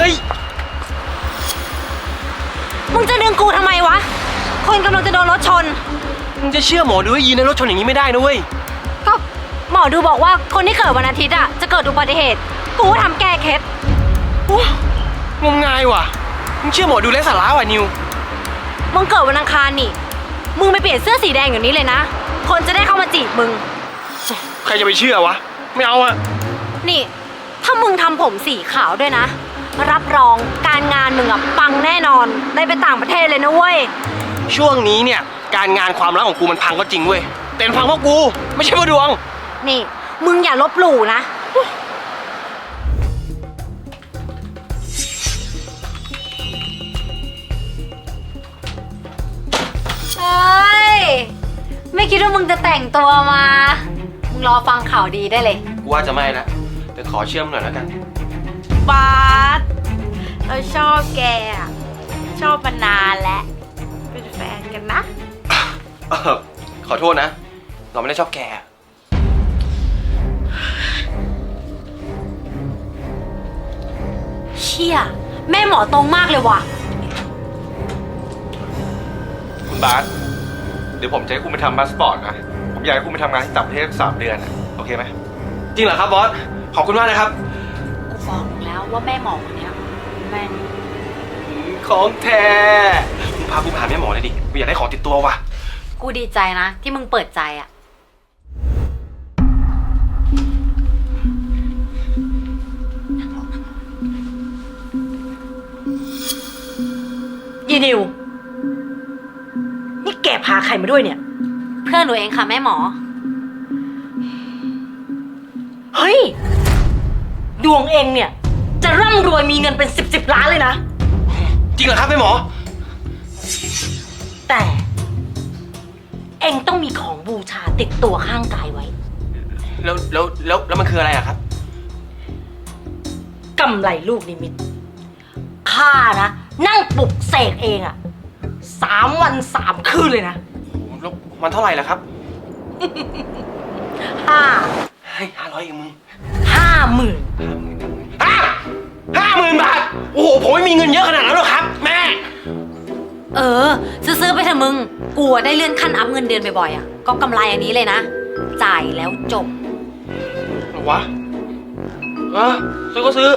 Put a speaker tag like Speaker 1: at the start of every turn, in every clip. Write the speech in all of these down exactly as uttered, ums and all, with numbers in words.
Speaker 1: ฮ้ย
Speaker 2: มึงจะดึงกูทำไมวะคนกำลังจะโดนรถชน
Speaker 1: มึงจะเชื่อหมอดูให้ยืนในรถชนอย่างนี้ไม่ได้นะเว้ย
Speaker 2: ก็หมอดูบอกว่าคนที่เกิดวันอาทิตย์อ่ะจะเกิดอุบัติเหตุกูทำแก้เคล็ด
Speaker 1: งมงายว่ะมึงเชื่อหมอดูไร้สาระว่ะนิว
Speaker 2: มึงเกิดวันอังคารนี่มึงไปเปลี่ยนเสื้อสีแดงอย่างนี้เลยนะคนจะได้เข้ามาจีบมึง
Speaker 1: ใครจะไปเชื่อวะไม่เอาอะ
Speaker 2: นี่ถ้ามึงทำผมสีขาวด้วยนะรับรองการงานมึงอะปังแน่นอนได้ไปต่างประเทศเลยนะเว้ย
Speaker 1: ช่วงนี้เนี่ยการงานความรักของกูมันพังก็จริงเว้ยแต่พังเพราะกูไม่ใช่เพราะดวง
Speaker 2: นี่มึงอย่าลบหลู่นะเฮ้ยไม่คิดว่ามึงจะแต่งตัวมามึงรอฟังข่าวดีได้เลย
Speaker 1: กูว่าจะไม่ละแต่ขอเชื่อมหน่อยแล้วกัน
Speaker 2: บาสเราชอบแกชอบมานานแล้วเป็นแฟนกันนะ
Speaker 1: ขอโทษนะเราไม่ได้ชอบแก
Speaker 2: เชี่ยแม่หมอตรงมากเลยว่ะ
Speaker 3: คุณบาสเดี๋ยวผมจะให้คุณไปทำพาสปอร์ตนะผมอยากให้คุณไปทำงานที่ต่างประเทศสามเดือนนะโอเคไหม
Speaker 1: จริงเหรอครับบอสขอบคุณมากนะครับ
Speaker 2: กูบอกมึงแล้วว่าแม่หมอคนนี้แม่น
Speaker 1: ของแท้มึงพากูไปหาแม่หมอเลยดิกูอยากได้ของติดตัวว่ะ
Speaker 2: กูดีใจนะที่มึงเปิดใจอ่ะยีนิวนี่แกพาใครมาด้วยเนี่ยเพื่อนหนูเองค่ะแม่หมอเฮ้ยดวงเองเนี่ยจะร่ำรวยมีเงินเป็นสิบสิบล้านเลยนะ
Speaker 1: จริงเหรอครับแม่หมอ
Speaker 2: แต่เองต้องมีของบูชาติดตัวข้างกายไว้
Speaker 1: แล้วแล้วแล้วแล้วมันคืออะไรอะครับ
Speaker 2: กำไรลูกนิมิตข้านะนั่งปลุกเสกเองอะสามวันสามคืนเลยนะ
Speaker 1: แล้วมันเท่าไหร่ล่ะครับ
Speaker 2: ห้า
Speaker 1: ให้ห้าร้อยเองมึง
Speaker 2: ห้าหมื่น
Speaker 1: ห้าห้าหมื่นบาทโอ้โหผมไม่มีเงินเยอะขนาดนั้นหรอกครับแม่
Speaker 2: เออซื้อๆไปเถอะมึงกูได้เลื่อนขั้นอัพเงินเดือนบ่อยๆอ่ะก็กำไรอันนี้เลยนะจ่ายแล้วจบ
Speaker 1: วะเออซื้อก็ซื้อ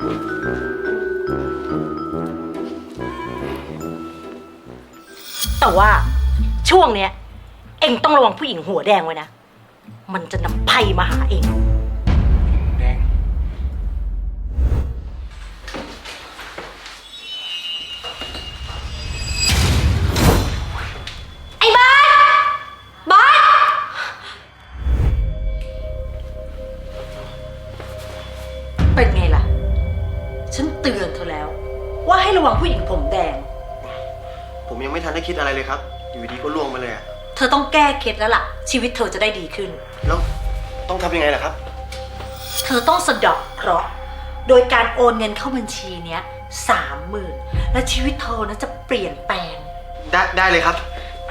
Speaker 2: แต่ว่าช่วงเนี้ยเอ็งต้องระวังผู้หญิงหัวแดงไว้นะมันจะนำไพ่มาหาเอง
Speaker 1: แดง
Speaker 2: ไอ้บาสบาสเป็นไงล่ะฉันเตือนเธอแล้วว่าให้ระวังผู้หญิงผมแดง
Speaker 1: ผมยังไม่ทันได้คิดอะไรเลยครับอยู่ดีก็ล่วงมาเลยอะ
Speaker 2: เธอต้องแก้เคล็ดแล้วล่ะชีวิตเธอจะได้ดีขึ้น
Speaker 1: แล้วต้องทำยังไงล่ะครับ
Speaker 2: เธอต้องสะเดาะเคราะห์โดยการโอนเงินเข้าบัญชีเนี้ยสามหมื่นและชีวิตเธอนะจะเปลี่ยนแปลง
Speaker 1: ได้ได้เลยครับ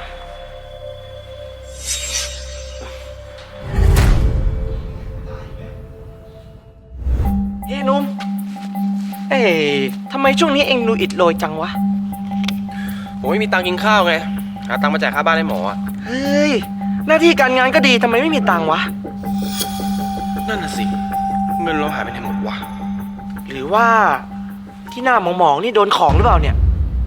Speaker 1: เฮ้ยนุ่มเอ๊ะทำไมช่วงนี้เอ็งดูอิดโรยจังวะผมไม่มีตังค์กินข้าวไงหาตังค์มาจ่ายค่าบ้านให้หมออ่ะเฮ้ยหน้าที่การงานก็ดีทำไมไม่มีตังค์วะนั่นน่ะสิเงินเราหายไปไหนหมดวะหรือว่าที่หน้าหมองๆนี่โดนของหรือเปล่าเนี่ย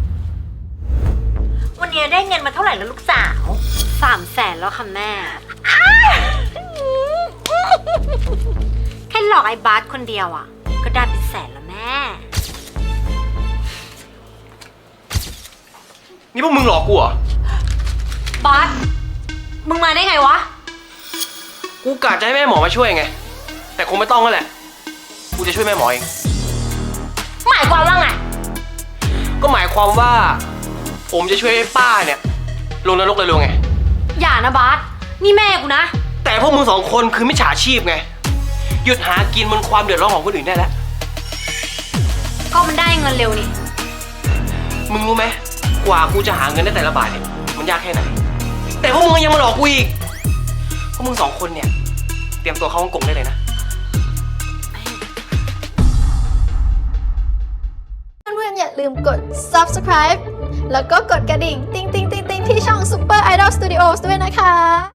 Speaker 2: วันนี้ได้เงินมาเท่าไหร่แล้วลูกสาวสามแสนแล้วค่ะแม่แค่หลอกไอ้บาสคนเดียวอ่ะก็ได้เป็นแสนแล้วแม่
Speaker 1: นี่พวกมึงหลอกกูเหร
Speaker 2: อบาสมึงมาได้ไงวะ
Speaker 1: กูกะจะให้แม่หมอมาช่วยไงแต่คงไม่ต้องแล้วแหละกูจะช่วยแม่หมอเอง
Speaker 2: หมายความว่าไง
Speaker 1: ก็หมายความว่าผมจะช่วยป้าเนี่ยลงนรกเลยลงไง
Speaker 2: อย่านะบาสนี่แม่กูนะ
Speaker 1: แต่พวกมึงสองคนคือมิจฉาชีพไงหยุดหากินบนความเดือดร้อนของคนอื่นได้แล้ว
Speaker 2: ก็มันได้เงินเร็วนี่
Speaker 1: มึงรู้ไหมกว่ากูจะหาเงินได้แต่ละบาทเนี่ยมันยากแค่ไหนแต่พวกมึงยังมาหลอกกูอีกพวกมึงสองคนเนี่ยเตรียมตัวเข้าฮ่องกงได้เลยนะ
Speaker 4: ลืมกด ซับสไครบ์ แล้วก็กดกระดิ่ง ติ๊งติ๊งติ๊งติ๊งที่ช่อง Super Idol Studios ด้วยนะคะ